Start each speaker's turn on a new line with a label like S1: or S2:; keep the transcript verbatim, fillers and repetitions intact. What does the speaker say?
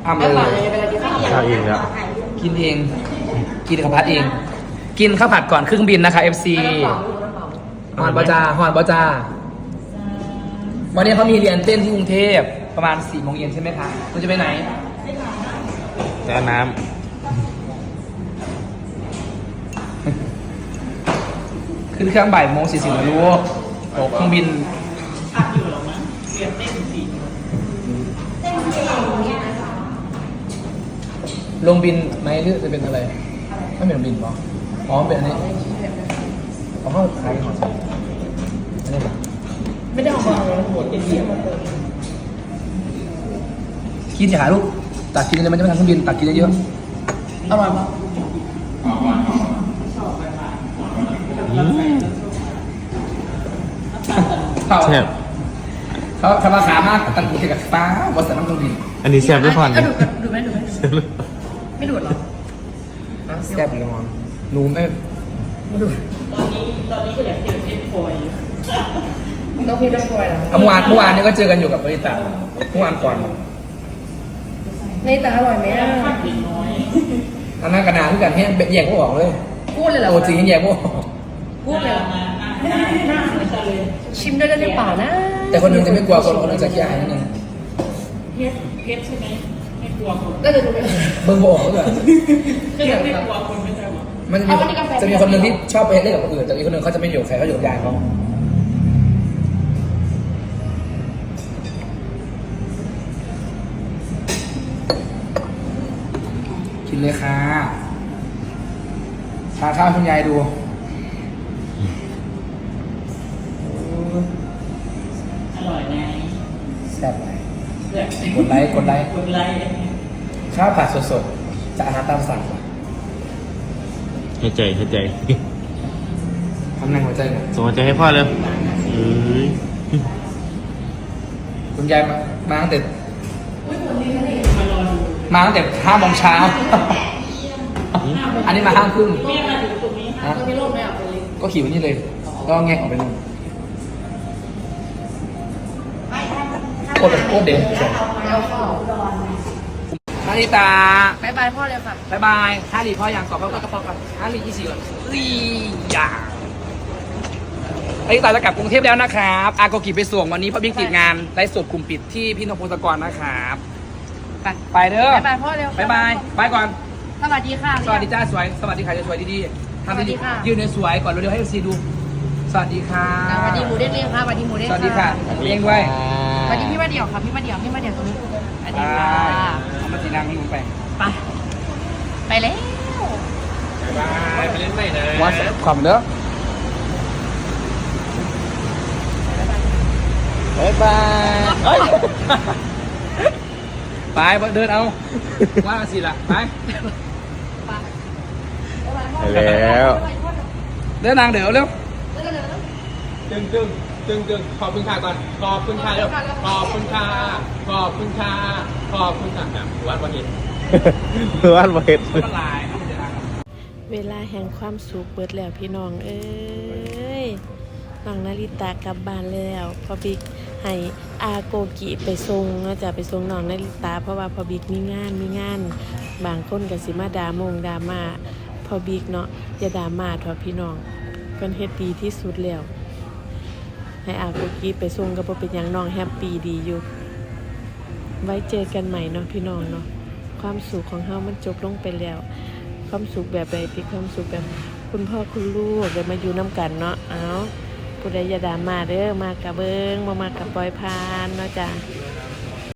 S1: ทำเลย
S2: ข้าวเองแล้ว
S1: กินเองกินข้าวผัดเอง กินข้าวผัดก่อนเครื่องบินนะคะ เอฟ ซี ฮอนบอจาฮอนบอจาวันนี้เขามีเรียนเต้นที่กรุงเทพประมาณสี่โมงเย็นใช่ไหมคะคุณจะไปไหน
S2: แต่น้
S1: ขึ้นเครื่องบ่ายโมงสี่สิบนะลูกตกเครื่องบินลงบินไหมหรือจะเป็นอะไรไม่เป็นบินหรออ๋อเป็นอันนี้เขาเข้าขายของอันนี้หรอ
S3: ไม่ได้ออกมาเลยหัวเป็นเสียงมาเปิด
S1: กินอย่าหาลูกตักกินเลยมันจะไม่ทำเครื่องบินตักกินเยอะๆอร่อยมาก เขา
S2: ำแซ่บ
S1: เขาทำราคามากตันกูกับฟ้าบริษัทน้ำเครื่องบิน
S2: อันนี้แซ่บด้วยพอน
S3: อ่ะ
S2: นี่
S3: ดูดูไหมดูไหม
S2: แซ่บด้วย
S3: ไม่ดูดหรอ
S1: แซ่บเลยมอนหนูไม่ไม่ดู
S3: ตอนนี้ตอนนี้ก็อยากเจอเพชรพลอยต้องเพชรพลอยเหรอ
S1: เมื่อวานเมื่อวานนี้ก็เจอกันอยู่กับบริษัทเมื่อวานก่อน
S3: ในตาอร่อยไหมอ่ะ
S1: อันนั้นกระดาษที่กันให้แยกพวกออกเลย
S3: พูดเลยเหรอ
S1: ตัวจริงแยกพวกออก
S3: พูดเลยเหรอชิมด้วยได้หรือเปล่านะ
S1: แต่คนหนึงจะไม่กลัวคนคนหนึงจะขี้อายนิดนึง
S4: เพชรเพชรใช่ไหมไม่กลัวคน
S3: ก็จะดูไหม
S1: เบิ่งพวกออกเลย
S4: เพชรไม่กลัวคนไม่ใช่หรอ
S1: มันจะมีจะมีคนหนึ่งที่ชอบไปเล่นกับคนอื่นแต่อีกคนหนึ่งเขาจะไม่อยู่กับใครเขาอยู่กับยายเขากินเลยค่ะทานข้าวคุณยายดู
S4: อร่อยไง
S1: แซ่บไหม
S4: เลือก
S1: กดไลค์กดไลค์
S4: กดไลค์
S1: ข้าวผัดสดๆจะอาหารตามสั่งกว่า
S2: ให้ใจให้ใจ
S1: ทำแรงหัวใจหน่อย
S2: ส่งหัวใจให้พ่อเลยเอ้ย
S1: คุณยายมามาตั้งแต่
S4: มารอดู
S1: มาตั้งแต่ห้าโมงเช้า อันนี้มาห้าครึ่ง
S4: แม่มาถึงตรงนี้
S1: นะ
S3: ต้องมีร่มไหมอ่ะคนเล็ก
S1: ก็ขี่วันนี้เลย ก็แงะออกไปเลยโคตรโคตรเด็ด
S3: เอาข้าว
S1: นาริตา
S3: บายบายพ่อเลยค่ะ
S1: บายบายฮารีพ่อยังกอบพ่อกระป๋องก่อนฮารียี่สิบก่อนอีอย่านาริตาจะกลับกรุงเทพแล้วนะครับอาโกกิไปส่งวันนี้เพราะบิ๊กติดงานไลฟ์สดกลุ่มปิดที่พี่นพพงศกรนะครับ
S3: ไป
S1: ไปเด้อบ
S3: ายบายพ่อเร็ว
S1: บายบายไปก่อน
S3: สวัสดีค่ะ
S1: สวัสดีจ้าสวย สวัสดีค่ะจะสวยดีๆทำ
S3: สวัสดี
S1: ดี
S3: ค่ะ
S1: ๆยืนในสวยก่อนเร็วๆให้ซีดู สวัสดีค่ะ
S3: สวัสดีหมูเด้งเลี้ยงค่ะสวัสดีหมูเด้ง
S1: สวัสดีค่ะเลี้ยงด้วย
S3: สวัสดีพี่มาเดี่ยวค่ะพี่มาเดี่ยวพี่มาเดี่ยวตรงนี้สวัสดี
S1: ไป
S3: ค่ะ
S1: เอามาสีนางให้หนูไป
S3: ไปไปแล้ว
S2: บายไปเล่นใหม่นะ
S1: วัดขอบเด้อบ
S2: ายบายเอ้ย
S1: ไปเดินเอา ว่าสิล่ะไป
S2: ไปแล้ว
S1: เดินนางเดี๋ยวเร็ว
S5: ตึงตึงตึงตึงขอบคุณค่ะก่อนขอบคุณค่ะเร็วขอบคุณค่ะขอบคุณค่ะขอบคุณค่ะแบบวัดวันเห็น
S2: วาดไว้
S1: ละลายเอาไปเดินทาง
S6: เวลาแห่งความสุขเบิดแล้วพี่น้องเอ้ยน้องนาริตากลับบ้านแล้วพอบิ๊กให้อาโกกิไปส่งเนาะจะไปส่งน้องนาริตาเพราะว่าพอบิ๊กมีงานมีงาน บางคนก็สิมาดามงดราม่าพอบิ๊กเนาะอย่าดราม่าเถอะพี่น้องเพิ่นเฮ็ดดีที่สุดแล้ว ให้อาโกกิไปส่งก็บ่เป็นหยังน้องแฮปปี้ดีอยู่ ไว้เจอกันใหม่เนาะพี่น้องเนาะความสุขของเฮามันจบลงไปแล้ว ความสุขแบบใดที่ความสุขแบบคุณพ่อคุณลูกเดี๋ยวมาอยู่น้ำกันเนาะเอาผู้ใดอย่าด่ามาเด้อมากกับเบิงมามากกับปล่อยพานเนาะจ้ะ